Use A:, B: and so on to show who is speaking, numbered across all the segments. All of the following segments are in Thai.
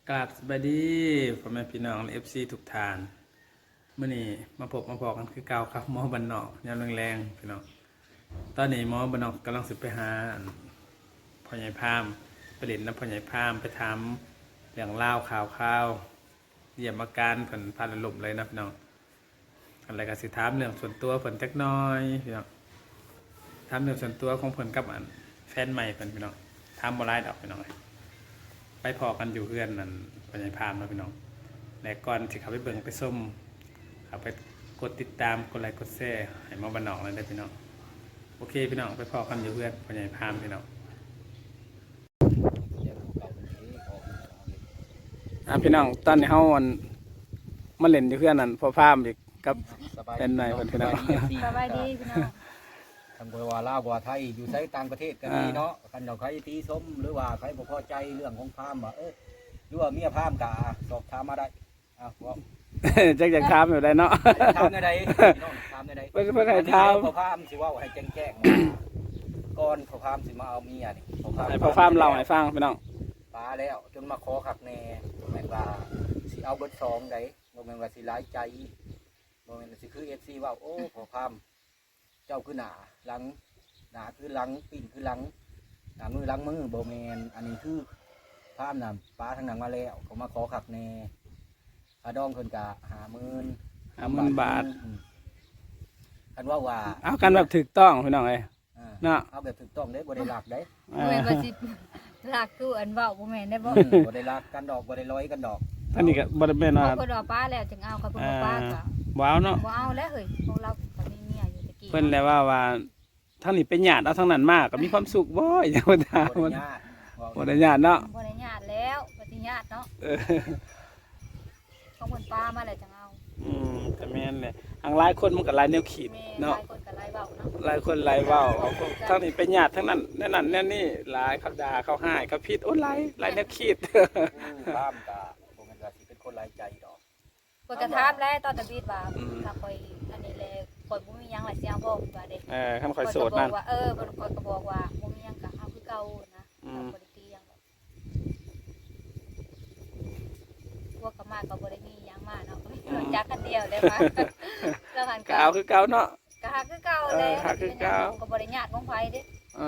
A: กราบสวัสดีพ่อแม่พี่น้องเอฟซีทุกท่านเมื่อนี้มาพบมาพอกันคือเก่าครับหมอบันนอกยามแรงๆพี่น้องตอนนี้หมอบันนอกกำลังสิไปหาพ่อใหญ่พามไปเล่นน้ำพ่อใหญ่พามไปทำเรื่องเล่าข่าวเยี่ยมอาการผลพานลมเลยนะพี่น้องอะไรก็สิถามเรื่องส่วนตัวผลจักน้อยพี่น้องถามเรื่องส่วนตัวของผลกับแฟนใหม่ผลพี่น้องถามบ่ไล่ดอกพี่น้องไปพอกันอยู่เพื่อนนั่นปัญญาพามนะพี่น้องและก่อนที่เขาไปเบิ่งไปส้มเขาไปกดติดตามกดไลค์กดแชร์ให้มาบันนอกเลยได้พี่น้องโอเคพี่น้องไปพอกันอยู่เพื่อนปัญญาพามพี่น้องพี่น้องตอนนี้เขามาเล่นอยู่เพื่อนนั่นพอพามอีกกับเป็นไหนพี่น้อง
B: สบายดีพี่น้อง
C: ทางบัวลาวบัวไทยอยู่ไสต่างประเทศก็มีเนาะคันเราใครตีส้มหรือว่าใครบ่พอใจเรื่องของพามว่าหรือว่าเมียพามกะสอบถามมาได้ว่า
A: จักอยากถามอยู่ได้เนาะ
C: ถามได้พี่น้องถามได้
A: เพิ่นให้ถาม
C: พอพามสิว่าให้แจ้งก่อนพอพามสิมาเอาเมียนี่
A: พอพามเล่าให้ฟังพี่น้อง
C: ปาแล้วจนมาขอคักแน่แม่นว่าสิเอาเบิด2ได้บ่แม่นว่าสิหลายใจบ่แม่นสิคือ FC ว่าโอ้พอพามเจ้าคือหน้าหลังหน้าคือหลังปีนคือหลังหน้ามือหลังมือโบแมนอันนี้คือภาพน่ะป้าทางหนังมาแล้วเขามาขอขักแน่อาดองคนกะ50,000 บาทกันว่า
A: เอากันแบบถูกต้องพี่น้องเอ้ยเนาะ
C: เอาแบบถูกต้องได้บ่ได้หลักได้
B: บ่แม่นว่าสิหลักคืออันเว้าบ่แม่นได้บ่
C: บ่ได้หลักกันดอกบ่ได้ร้อยกันดอก
A: อันนี้ก็บ่ได้แม่นว่า
B: เพิ่นว่าป้าแล้วจึงเอาเขาเพิ่นว่าป้าก็
A: ว้าวเนาะ
B: บ่เอาแล้วเฮ้ยพวกเราก็มีเมียอยู่ตะกี้
A: เพิ่นแล้วว่าทั้งนี้เป็นญาติเอาทั้งนั้นมาก็มีความสุขบ่อย่าบ่ถามบ่ได้ญาติเนาะ
B: บ่ได้ญาติแล้วบ่ได้ญาติเนาะของเพิ่นป้ามาแล้วจึงเอา
A: แต่แม่นแหละทางหลายคนมันก็หลายแนวคิดเนาะ
B: หลายคนก็หลายเว้าเนาะ
A: หลายคนหลายเว้าทั้งนี้เป็นญาติทั้งนั้นนั่นนี่หลายเขาด่าเขาให้เขาผิดโอ้หลายแนวคิด
C: ตามก็บ่แม่นว่าสิเป็นคนหลายใจดอก
B: เพิ่นก็ถามแล้วตอนตะบีดว่าถ้าค่อยอันนี้แหละข่อยบ่มีหยังหลายสิเอาบ่ว่าเด้
A: คันข่อยโสดนั่น
B: ว่าเพิ่นก็บอกว่าบ่มีหยังก็เอาคือเก่านะบ่ได้ตีหยังดอกพวกก็มาก็บ่ได้มีหยังมาเนาะจักกันเดียวได้มาแล้วหัน
A: ก็เอาคือเก่าเนาะ
B: ก็หาคือเก่าแหละ
A: หาคือเก่า
B: ก็บ่ได้ญาติของไผเด้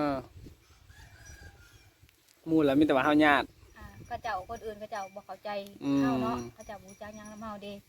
A: หมู่แล้วมีแต่ว่าเฮาญาติ
B: เขาเจ้าคนอื่นเขาเจ้าบ่เข้าใจเฮาเนาะเขาเจ้าบ่รู้จักหยังนำเฮาเด้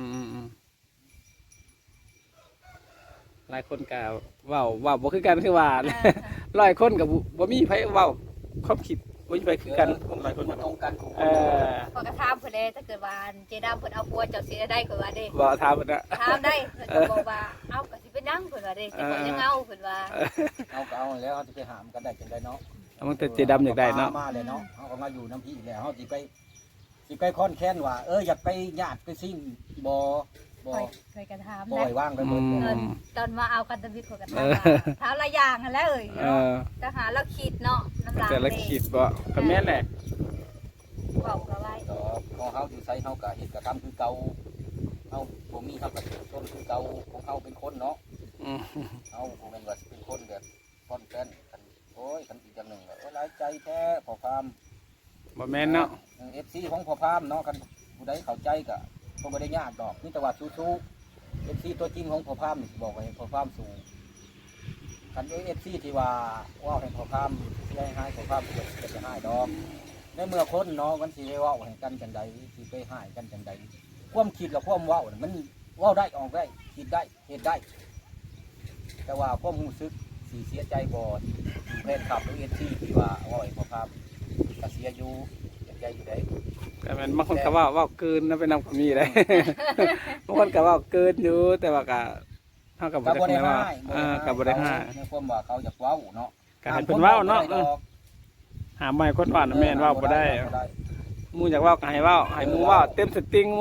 A: หลายคนก็เว้าบ่คือกันคือว่า100คนก็บ่มีไผเว้าความคิดบ่มีไผคือกันหลายคน
C: ตรงกัน
B: พอกระถามเพิ่นเด้ถ้าเกิดว่าเจดามเพิ่นเอาผัวเจ้าสิได้เพิ่นว่าเด้
A: บ่ถามเพิ่นน่ะ
B: ถามได้เพิ่นบอกว่าเอาก็สิเป็นหยังเพิ่นว่าเด้แต่เพิ่นยังเอาเพิ่นว่า
C: เอาก็เอาแล้วเฮาสิไปหามกันได้จังได๋เนาะ
A: มันแต่เจดำอยากได้เนาะ
C: มาเลยเนาะเฮาก็มาอยู่น้ำพี่แล้วเฮาสิไปค่อนแค้นว่าอยากไปญาติไปซิ่งบ่
B: เคยกันถาม
C: บ่ให้ว่างไปหมด
B: ตอนมาเอากันตะบิดเขาก็ถามหลายอย่างหั่นแหละก็หาแล้วคิดเนาะน้ำลาย
A: แต่ละคิดบ่ก็แม่นแหละ
B: เว้าก็ไว้
C: ของเฮาอยู่ไสเฮาก็เฮ็ดก็ทำคือเก่าเฮาบ่มีเฮาก็ต้นคือเก่าของเฮาเป็นคนเนาะเฮาบ่แม่นว่าสิเป็นคนแบบค่อนแค้นกันโอ้ยกันอีกอย่างนึงก็หลายใจแท้พอความ
A: บ่แม่นเนาะ
C: FC ของพอพามเนาะกันผู้ใดเข้าใจก็บ่ได้ยากดอกมีแต่ว่าสู้ๆ FC ตัวจริงของพอพามนี่บอกไว้พอพามสู้คัน FC ที่ว่าให้พอพามสิให้พอพามก็จะให้ดอกในเมื่อคนเนาะมันสิได้เว้าให้กันจังได๋สิไปให้กันจังได๋ความคิดกับความเว้ามันเว้าได้ออกได้คิดได้เฮ็ดได้ แต่ว่าความรู้สึกสิเสียใจบ่แฟนคลับหรือ FC ที่ว่าให้พอพามก็เสียอยู่ใจอยู่ได้
A: แต่มันบางคนก็ว่าเกินนะไปนำก็มีได้บางคนก็ว่าเกินอยู่แต่ว่าก็เท่ากับบ่ได้ว่ากับบ่ได้ให้
C: ในความว่าเขาอยากเว้าเนาะ
A: ก็ให้เพิ่นเว้าเนาะหาใหม่คนว่าแม่นเว้าบ่ได้หมู่อยากเว้าก็ให้เว้าให้หมู่เว้าเต็มสติงห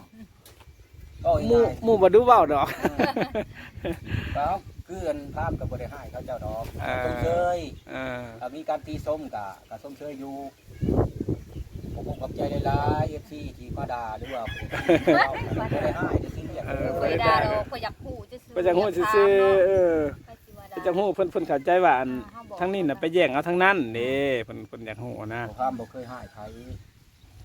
A: มู่บ่ดูเว้าดอก
C: แล้วคืออันภาพกับบ่ได้ให้เขาเจ้าดอกส้มเชยมีการตีส้มกับส้มเชยอยู่ผมขอบใจหลายๆ FC ที่มาด่าหรือว่าบ่ได้ให้จะซื้ออย่าง
B: บ่ได้ด่าดอกบ่อยากฮู้ซื่อ
A: บ่อยากฮู้ซื่อบ่อยากฮู้เพิ่นเข้าใจว่าทั้งนี้น่ะไปแย่งเอาทั้งนั้นเด้เพิ่นอยากฮู้นะ
C: ความบ่เคยให้ใคร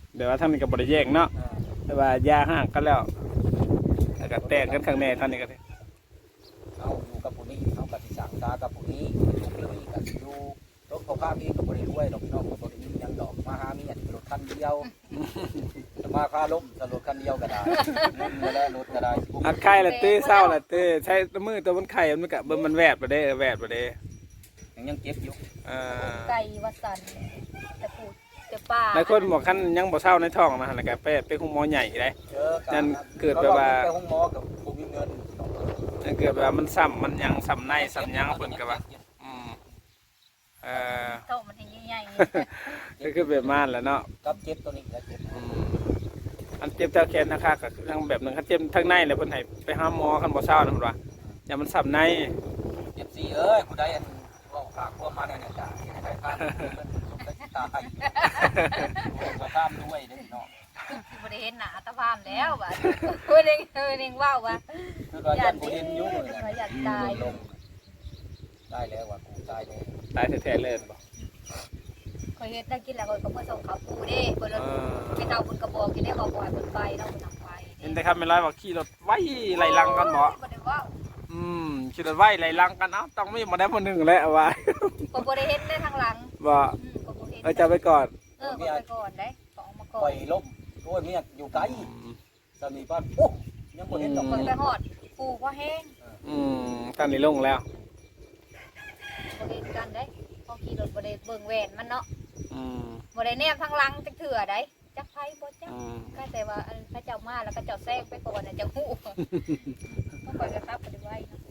A: เดี๋ยวว่าทางนี้ก็บ่ได้แยกเนาะแต่ว่ายาห่างกันแล้วแล้วก็แตกกันข้างในท่านนี้ก็ได้
C: เอาอยู่กับผู้นี้เอากับสิสั่งตากับผู้นี้ลูกเลยกับสิอยู่รถเขาพาพี่กับบริรวยดอกพี่น้องกับบริมียังดอกมาหาเมียรถคันเดียวมาค่าล้มสรถคันเดียวก็ได้เงินก็ได้รถก็ได้
A: อัดไข่ละตื้อเศร้าละตื้อใช้มือตัวมันไข่มันก็เบิ่งมันแวดบ่ได้แวดบ่ได้
C: ยังเจ็บอยู่
B: ไก่วัดสันแต่ปูแต่ป่า
A: หลายคนบอกคันยังบ่เศร้าในท้องนะแล้วก็ไปคุมหมอใหญ่ได้ นั่นเกิดแบบว่า
C: ไปห้องหมอกับผู้มีเงิน
A: นั่นเกิดแบบว่ามันซ้ำมันยังซ้ำในซ้ำยังเพิ่นก็ว่าเออ
B: โตมันเห็นใหญ่
A: ก็คือแบบนั้นแหละเนาะ
C: กับเจ็บตัวนี้แล้วเจ็บ
A: อันเจ็บเท้าแขนนะคะก็คือทางแบบนึงคันเจ็บทางในแล้วเพิ่นให้ไปหาหมอคันบ่เศร้านะเพิ่นว่าอย่ามันซ้ำใน
C: เจ็บซี่เอ้ยผู้ใดอันบอกฝากพวกมาเนี่ยจ้ะให้ได้ค่าเงินสมได้ตายมาข้ามด้วยเด้อเนาะ
B: ๆบ่ได้เห็นหน้าตาพามแล้วบัดเพิ่นเองว้าวว่า
C: คือว่ายันผู้เห็นยุ่งเลย
B: ว่าอยากตาย
C: ลงได้แล้วว่ากูตายเลย
A: ตายแท้ๆเลยบ่
B: ข่อยเฮ็ดได้กินแล้วข่อยก็มาส่งข้าวปูเด้เพิ่นไปเตาเพิ่นก็บอกกินได้บอกปล่อยเพิ่นไปเนาะเพิ่นนำไป
A: เห็นแต่ครับแม่นร้อยว่าขี่รถไว้ไล่ลังกันบ่
B: บ่ได้ว้าว
A: ขี่รถไว้ไล่ลังกันเอ้าต้องมีบ่ได้บ่นึงแล้วว่า
B: ก็บ่ได้เฮ็ดได้ทางหลัง
A: บ่
B: ก็บ่เฮ็ด
A: จะไปก่อน
B: ก็ไปก่อนได้ก็ออกมาก่อ
C: ปล่อน ยล้มโอ้ยเมียอยู่ไกลสามีบ้านโอ้ยังบ่เห็นดอก
B: เพิ่นไปฮอดปูบ่แห้ง
A: ตอนนี้ลงแล้ว
B: บ่เฮ็ดกันได้พอขี่รถบ่ได้เบิ่งแหวนมันเนาะ
A: อืม
B: บ่ได้แนมทางหลังจักเถื่อได้จักไผบ่จัก
A: อืม
B: ก็แต่ว่าพระเจ้ามาแล้วก็เจ้าแซงไปก่อนน่ะจะฮู้ต้องคอยกระทับบ่ได้ไว้เนาะ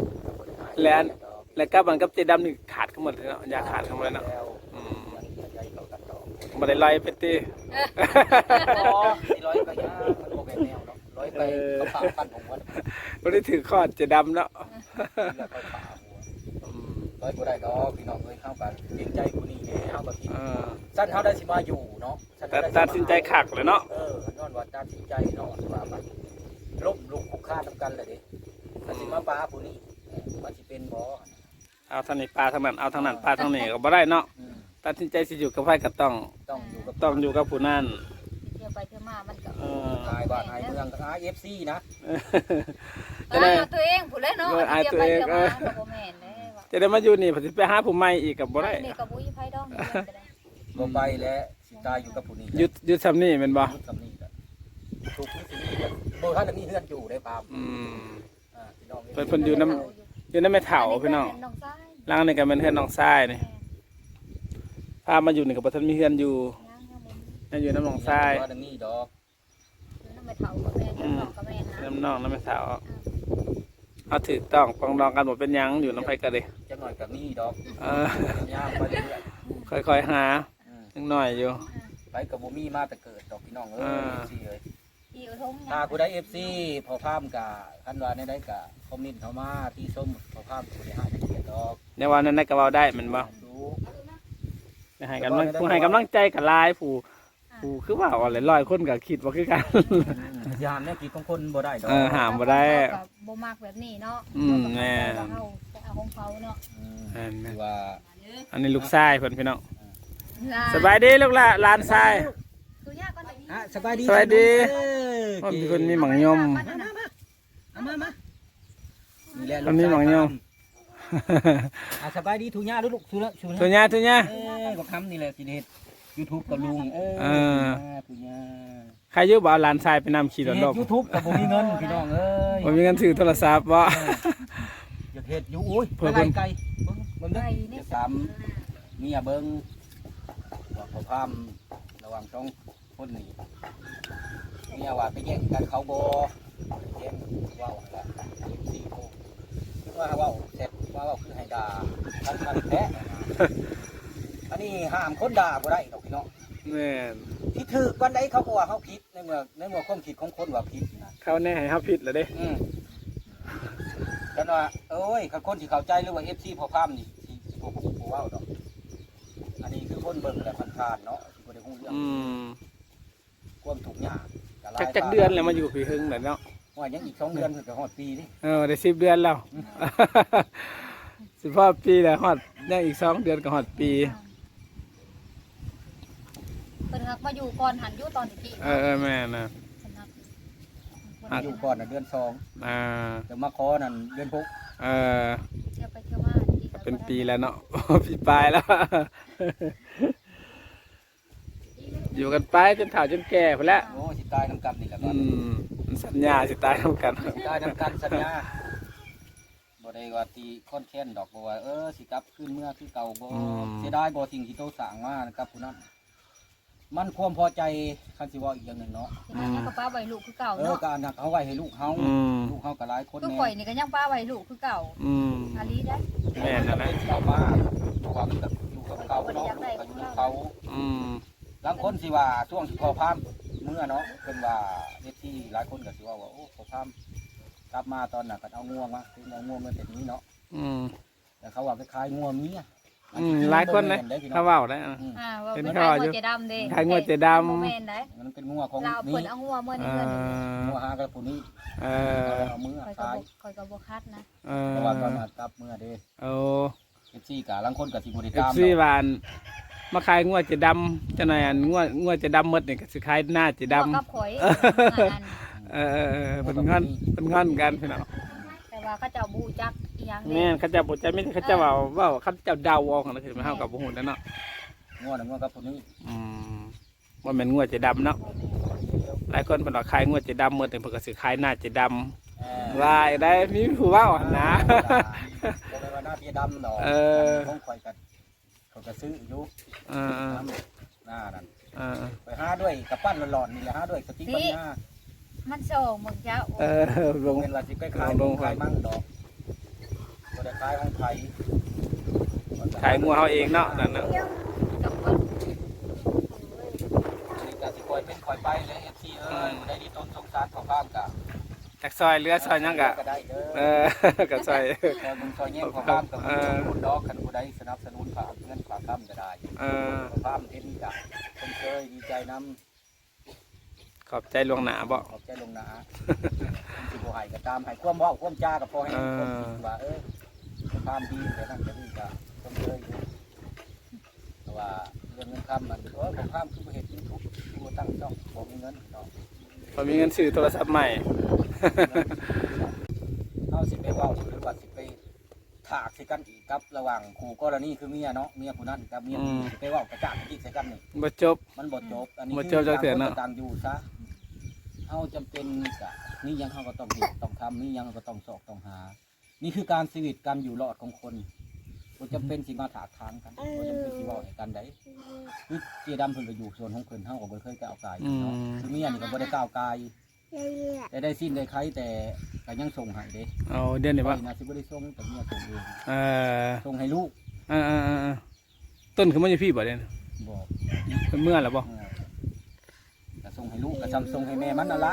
A: แล้วก็มันกับเจดำนี่ขาดกันหมดเลยเนาะยาขาดกันหมดเลยเนาะ
C: แล้วยังใจเขากันดอก
A: บ่ได้ไล่ไปติ
C: อ๋อสิร้อยก็ยามันบ่แม่นแนวเนาะร้อยไปเขาปากปั้นผมว่า
A: บ่ได้ถือคอดเจดำเนาะ
C: เลือกเขาปากหัวร้อยบ่ได้ดอกพี่น้องเอ้ยเข้ากันเกรงใจผู้นี้แหน่เฮาก็คิดสั้นเฮาได้สิมาอยู่เนาะ
A: ตัดสินใจขักเลยเนาะ
C: ย้อนว่าตัดสินใจเนาะว่ามันล้มลุกคุกคานนำกันเลยเด้ถ้าสิมาปาผู้นี้มันสิเป็นบ่
A: เอาทางนี้ปลาทางนั้นเอาทางนั้นปลาทางนี้ก็บ่ได้เนาะตัดสินใจสิอยู่กับไผก็ต้อง
C: ต้องอยู่กับ
A: ต้องอยู่กับผู้นั้น
B: เที่ยวไปเที่ยวมามันก็
C: นายบ้านนายเมืองกับ IFC นะ
A: จะได้
B: ตัวเองผู้เล่นเนาะเที่ยวไปเที่ยวมาบ่แม่นเด้ว่า
A: จะได้มาอยู่นี่สิไปหาผู้ใหม่อีกก็บ่ได้
B: นี่ก็บ่มีไผดอก
C: บ่ไปแล้วสิตายอยู่กับผู้นี้
A: หยุดซ้ำนี่แม่นบ่
C: ยุดกับนี่ก็ถูกที่สินี่ก็บ่ทันมีเฮือนอยู่ได้ปาม พี่น้อง
A: เพิ่นอยู่นำแม่เฒ่าพี่น้อง
B: น้องชาย
A: หลังนี่ก็เป็นเฮือนน้องชายนี่พามาอยู่นี่ก็บ่ทันมีเฮือนอยู่ยังอยู่น้ำน้องชาย
C: ว่าดังนี้ดอก
B: น้ำไม่เฒ่ากับแม่น้องกับแม่นะ
A: น้ำน้องน้ำแม่เฒ่าเอาถูกต้องปรองดองกันบ่เป็นหยังอยู่น้ำไผก็ได้
C: จังหน่อยกับนี่ดอก
A: เออ
C: ย่างไปเรื่อย
A: ค่อยๆหาจังหน่อยอยู่
C: ไปกับบ่มีมาแต่เกิดดอกพี่น้องเอ้ยสิเอ้ย
B: อีกทง
C: ถ้าผู้ใด FC พอพามกะคันว่าในใดกะคอมเมนต์เข้ามาที่ส้มพอพามผู้ใดหาจักเกียรติดอก
A: ในวันนั้นก็เว้าได้แมันบ่
C: ดู
A: ให้กำลังผู้ให้กำลังใจกับหลายผู้คือว่าอะไรร้อยคนก็คิดว่าคือกัน
C: ยามเนี่ยกิจของคนบ่ได้ดอก
A: หามบ่ได้
B: บ่มักแบบนี้เนาะ
A: แม่
B: เฮาเอาของเขาเนาะ
C: คือว่า
A: อันนี้ลูกชายเพิ่นพี่น้องสบายดีลูกหลานชาย
B: คือยากก่อนนี้
C: สบายดี
A: สบายดีพ่อมีคนมีหมังยม
C: มานี่แหละ
A: คนมีหมังยม
C: สบายดีทุญ่าลูกทุละ
A: ทุญ่า
C: ก็ทำนี่แหละสิเฮ็ด YouTube กับลุงทุญ่า
A: ใครอยู่บ่เอาหลานชายไปนำขี่รถ
C: เฮ็
A: ล
C: ด
A: บ
C: YouTube กับบ่มีเงินพี่น้องเอ้ย
A: บ่มีเงินซื้อโทรศัพท์บ่
C: อยากเฮ็ดอยู่โอ้ยไก่เบิ่งเด้อจะสามเมียเบิ่งว่าเขาพามระหว่างต้องคนนี้เมียว่าไปแย่งกันเขาบ่แย่งว้าวละ4โมงคิดว่าว้าวเสร็จว่าว้าวคือให้ด่าท่านมันแท้อันนี้ห้ามคนด่าบ่ได้ดอกพี่น้อง
A: แม่น
C: ที่ถือวันใดเขาก็ว่าเขาผิดในเมื่อความคิดของคนว่าผิดนะ
A: เขาแน่ให้เฮาผิดแล้วเด้
C: กันว่าเอ้ยคนที่เข้าใจหรือว่า FC พอพามนี่สิบ่ฮู้เว้าดอกอันนี้คือคนเบิ่งและผ่านๆเนาะสิบ่ได้ฮู้เรื่องความทุกข์ยาก
A: จักเดือนแล้วมาอยู่พี่หึงแล้วเนาะ
C: ว่ายังอีก2เดือนถึงจะฮอดปีนี่
A: ได้10 เดือนแล้วสิพอปีแล้วฮอดยังอีก2 เดือนก็ฮอดปี
B: เพิ่นฮักมาอยู่ก่อนหันอยู่ตอนตะกี้
A: แม่นะ
B: สำนัก
C: มันอยู่ก่อนน่ะเดือน2 เดี๋ยวมาขอนั่นเดือน6
B: เที่ยวไปเที่ยวมาดี
A: เป็นปีแล้วเนาะ ปีปลายแล้ว อยู่กันไปจนเฒ่าจนแก่ไปแล้ว
C: โอ้สิตายน้ำกันนี่แหละครับ
A: มันสัญญาสิตายนํกัน
C: สิตายน้ำกันสัญญาบ่ได้ว่าตีค้อนแค้นดอกบ่ว่าสิกลับคืนเมื่อคือเก่าบ่เสียดายบ่สิ่งที่โตสร้างมานะครับผู้นั้นมันความพอใจคันสิว่าอีกอย่างหนึงเนาะ
B: ที่นั่นก็ป้าไว้ลูกคือเก่าเนาะ
C: ก็อันนั้นเอาไว้ให้ลูกเฮา ลูกเฮาก็หลายคน
B: คือ
C: แน่
B: ข่อยนี่ก็ยังป้าไว้ลูกคือเก่าอาลีได้
A: แม่นั่นแหละ
C: เอามาเพราะว่ามันก็อยู่กับเก่าเนาะก็อยู่กับเขา บางคนสิว่าช่วงที่พอพามเมื่อเนาะเป็นว่าเด็กที่หลายคนก็สิว่าโอ้พอพามกลับมาตอนน่ะก็เอาง่วงมาคือเอาง่วงมาเป็นนี้เนาะแต่เขาว่าคล้ายๆง่วงเมีย
A: หลายคนเลยเขาเว้าได้
B: ว่าเป็นขายงัวเจดำเด้
A: ขายงัวเจดำ
B: โมเมนต์ได้
C: มันเป็นง่วงของ
B: เราเพิ่น
C: นี้
B: เอางัวเมื่อนี้เงิน
C: ง่วงหากับผู้นี้เอามือ
B: ข่อยก็
C: ตาย
B: ข่อยก็บ่คัดนะ
C: เพราะว่าตอนมากลับเมื่อเด้
A: โอ้
C: 14กะลังคนก็สิบ่ได้
A: เอ
C: ตา
A: ฟ
C: ม
A: ซีหวานมาขายงัวเจดำจังไหนอันงัวเจดำหมดนี่ก็สิขายหน้าเจดำ
B: กับข่อย
A: เป็นงอนกันพี่น้อง
B: แต่ว่าเขาเจ้าบูจักอีหยัง
A: แม่นเขาจะบ่ใจไม่เขาจะว่าเขาจะเดาเอาของนั่นคือมันเฮากับบ่ฮู้แล้วเนาะ
C: ง่วงน่ะง่วงกับผู้นี้
A: ว่าแม่นงัวเจดำเนาะหลายคนเพิ่นว่าขายงัวเจดำหมดนี่เพิ่นก็สิขายหน้าเจดำว่าได้มีผู้เว้าหั่นนะ
C: บ่ได้ว่าหน้าเพียดำดอกของข่อยก็เขาก็ซื้ออยู่หน้านั่นไปหาด้วยกับปั้นหลอนๆนี่แหละหาด้วยสติ๊กปัญญา
B: มันส่งมึงเจ้า
A: ลง
C: เป็นว่าสิไปขายขายมั่งดอกบ่ได้ขายของไทย
A: ขายงัวเฮาเองเนาะนั่นน่ะ
B: กับคน
C: นี่ก็สิคอยเป็นคอยไปเลย FC ได้ดีต้นสงสารของข้ามกะ
A: จักซอยเรือซอยหยังกะ
C: ก็ได้เด้อ
A: ก็ซอย
C: คอยมึงซอยแย่งของข้ามกับคนดอกคันผู้ใดสนับสนุนฝากเงินฝากค้ำก็ได้ของข้ามเห็นกะคนเคยดีใจนำ
A: ขอบใจลวงหนาบ่
C: ขอบใจลงหนาสิบ่ให้ก็ตามให้ความเว้าความจาก็พอให้คนคิดว่าของข้ามดีแต่นั่นก็นี่ก็คนเคยอยู่แต่ว่าเรื่องเงินคำมันของข้ามคือบ่เฮ็ด YouTube ที่บ่ตั้งช่องบ่มีเงินเนาะ
A: พอมีเงินซื้อโทรศัพท์ใหม่
C: เอาสิไปเว่าหรือว่าสิไปถากใส่กันอีกครับระหว่างคู่กรณีคือเมียเนาะเมียผู้นั้นกับเมียผู้นี้สิไปเว่ากระจาดอีกใส่กันนี่
A: บ่จบ
C: มันบ่จบอันนี้
A: บ่จบจักเทื่อเนาะ
C: ต่างอยู่ซะเฮาจำเป็นกะนี่ยังเฮาก็ต้องเฮ็ดต้องทำนี่ยังก็ต้องสอกต้องหา นี่คือการชีวิตการอยู่รอดของคนบ่จำเป็นสิมาถากทางกันบ่จำเป็นสิเว้าให้กันได้คือเจดำเพิ่นก็อยู่ส่วนของเพิ่นเฮาก็บ่เคยก้าวกายเนาะคือเมียนี่ก็บ่ได้ก้าวกายแต่ได้สิ้นได้ไขแต่ก็ยังส่งให้เด้
A: เอาเดือนนี้บ่
C: นะสิบ่ได้ส่งแต่เมียส่งเอง ส่งให้ลูก
A: ต้นคือมันอยู่พี่บ่เด้
C: บอก
A: เพิ่นเมื่อแล้วบ่
C: ก็ส่งให้ลูกก็ซ้ำส่งให้แม่มันนั่นละ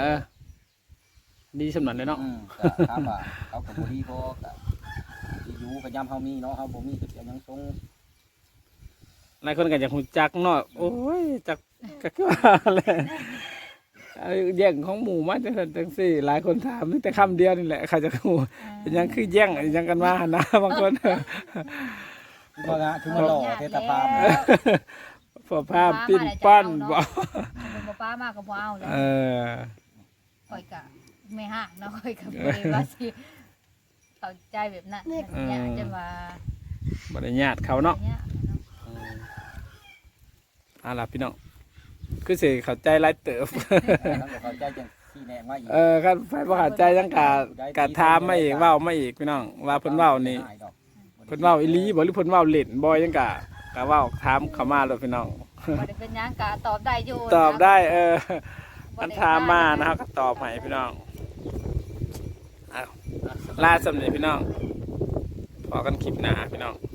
A: ดีสำนันเลยเนาะ
C: ก็ถามว่าเขาก็บ่ดีบ่ก็สิอยู่ก็ยามเฮามีเนาะเฮาบ่มีก็สิยังส่ง
A: หลายคนก็อยากฮู้จักเนาะโอ้ยจักก็คือว่าแหละแย่งของหมู่มาจังซี่หลายคนถามมีแต่คำเดียวนี่แหละเขาจะฮู้เป็นหยังคือแย่งหยังกันมาหั่นนะบางคน
C: คือว่าคือมาหล่อเทศภาพ
A: พอภาพปิ้นปั้นบ่
B: เป็นบ่ป้ามากก็บ่เอาเลยข่อยก็ไม่ห่างเนาะข่อยก็บ่ได้ว่าสิเข้าใจแบบนั้นเนี่ยจะมา
A: บ่ได้ญาติเขาเนาะ
B: เนี่ย
A: ล่ะพี่น้องคือสิเข้าใจหลายเติบ
C: ทั้งเข้าใจจังที่แนะมาอีก
A: คันไฟบ่เข้าใจจังกะถามมาอีกเว้ามาอีกพี่น้องว่าเพิ่นเว้านี่เพิ่นเว้าอีหลีบ่หรือเพิ่นเว้าเล่นบ่จังกะเว้าถามเข้ามาเลยพี่น้อง
B: บ่ได้เป็นหยังก็ตอบได้อยู่
A: ตอบได้มันถามมานะครับก็ตอบให้พี่น้องลาสำเร็จพี่น้องพอกันคลิปหน้าพี่น้อง